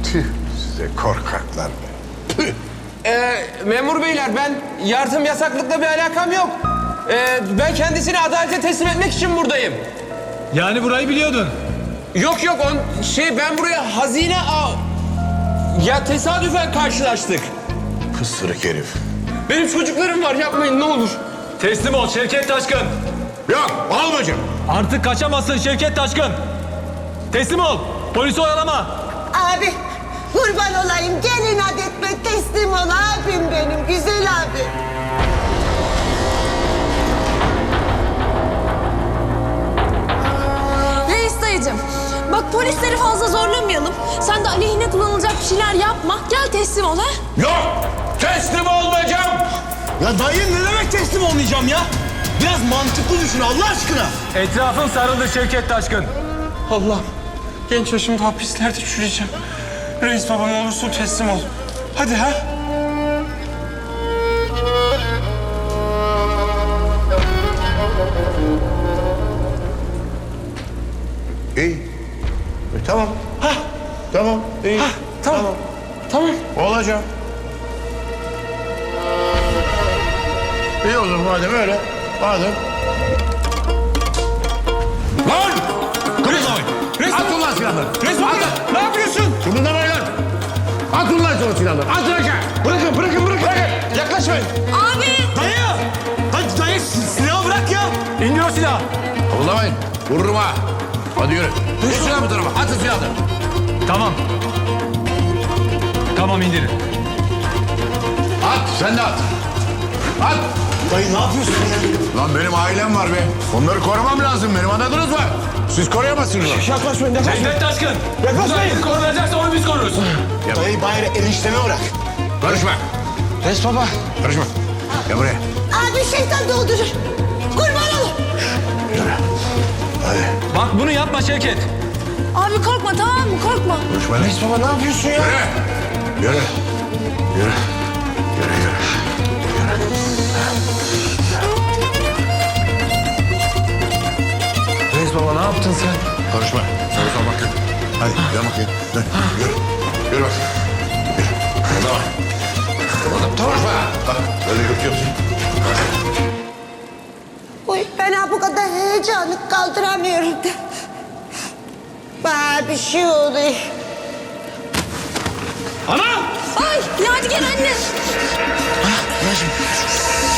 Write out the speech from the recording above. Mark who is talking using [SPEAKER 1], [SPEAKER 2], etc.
[SPEAKER 1] Tüh, size korkaklar be. Tüh.
[SPEAKER 2] Memur beyler, ben yardım yasaklıkla bir alakam yok. Ben kendisini adalete teslim etmek için buradayım.
[SPEAKER 3] Yani burayı biliyordun.
[SPEAKER 2] Yok, ben buraya ya tesadüfen karşılaştık.
[SPEAKER 1] Pısırık herif.
[SPEAKER 2] Benim çocuklarım var, yapmayın ne olur.
[SPEAKER 3] Teslim ol Şevket Taşkın.
[SPEAKER 1] Yok, olmayacağım.
[SPEAKER 3] Artık kaçamazsın Şevket Taşkın. Teslim ol. Polisi oyalama.
[SPEAKER 4] Abi kurban olayım gelin etme teslim ol abim benim güzel abi.
[SPEAKER 5] Reis dayıcım, bak polisleri fazla zorlamayalım. Sen de aleyhine kullanılacak bir şeyler yapma. Gel teslim ol ha.
[SPEAKER 2] Yok, teslim olmayacağım.
[SPEAKER 6] Ya dayı ne demek teslim olmayacağım ya? Biraz mantıklı düşün Allah aşkına.
[SPEAKER 3] Etrafın sarıldı Şevket Taşkın.
[SPEAKER 2] Allah'ım, genç yaşımda hapislerde çürüyeceğim. Reis baba ne olursun teslim ol. Hadi ha.
[SPEAKER 1] İyi. Tamam. Tamam, iyi.
[SPEAKER 2] Tamam.
[SPEAKER 1] Olacağım. İyi o zaman madem öyle. Madem. Lan! Kıpırdamayın. Atın lan silahları.
[SPEAKER 2] Reis baba, ne yapıyorsun?
[SPEAKER 1] Kıpırdamayın lan. Atın lan sonra silahları. Atın aşağı. Bırakın.
[SPEAKER 2] Yaklaşmayın.
[SPEAKER 5] Abi!
[SPEAKER 6] Dayı! Dayı silahı bırak ya.
[SPEAKER 3] İndir o silahı.
[SPEAKER 1] Kıpırdamayın. Vururum ha. Hadi yürü. Geç silahı bu tarafa. Atın silahları.
[SPEAKER 3] Tamam. Tamam indirin.
[SPEAKER 1] At. Sen de at. At.
[SPEAKER 6] Dayı ne yapıyorsun ya?
[SPEAKER 1] Lan benim ailem var be. Onları korumam lazım benim, anladınız mı? Siz koruyamazsınız onu.
[SPEAKER 6] Yaklaşmayın yaklaşmayın.
[SPEAKER 3] Şevket Taşkın. Yaklaşmayın. Korunacaksa onu biz koruruz.
[SPEAKER 6] Dayı bari enişteme bırak.
[SPEAKER 1] Karışma.
[SPEAKER 6] Res baba.
[SPEAKER 1] Karışma. Gel buraya.
[SPEAKER 4] Abi şeytan doldurur. Kurban ol.
[SPEAKER 1] Yürü. Hadi.
[SPEAKER 3] Bak bunu yapma Şevket.
[SPEAKER 5] Abi korkma tamam mı? Korkma.
[SPEAKER 1] Konuşma lan.
[SPEAKER 6] Res baba ne yapıyorsun ya?
[SPEAKER 1] Yürü. Yürü.
[SPEAKER 6] Res baba ne yaptın sen?
[SPEAKER 1] Konuşma. Soru bakayım. Hadi gel bakayım. Dön. Yürü. Yürü bak. Yürü. Tamam. Konuşma. Bak böyle yürütüyorsun.
[SPEAKER 4] Uy ben ha bu kadar heyecanı kaldıramıyorum da. Bana bir şey oluyor.
[SPEAKER 5] Ay Yadigar anne.
[SPEAKER 6] Anacığım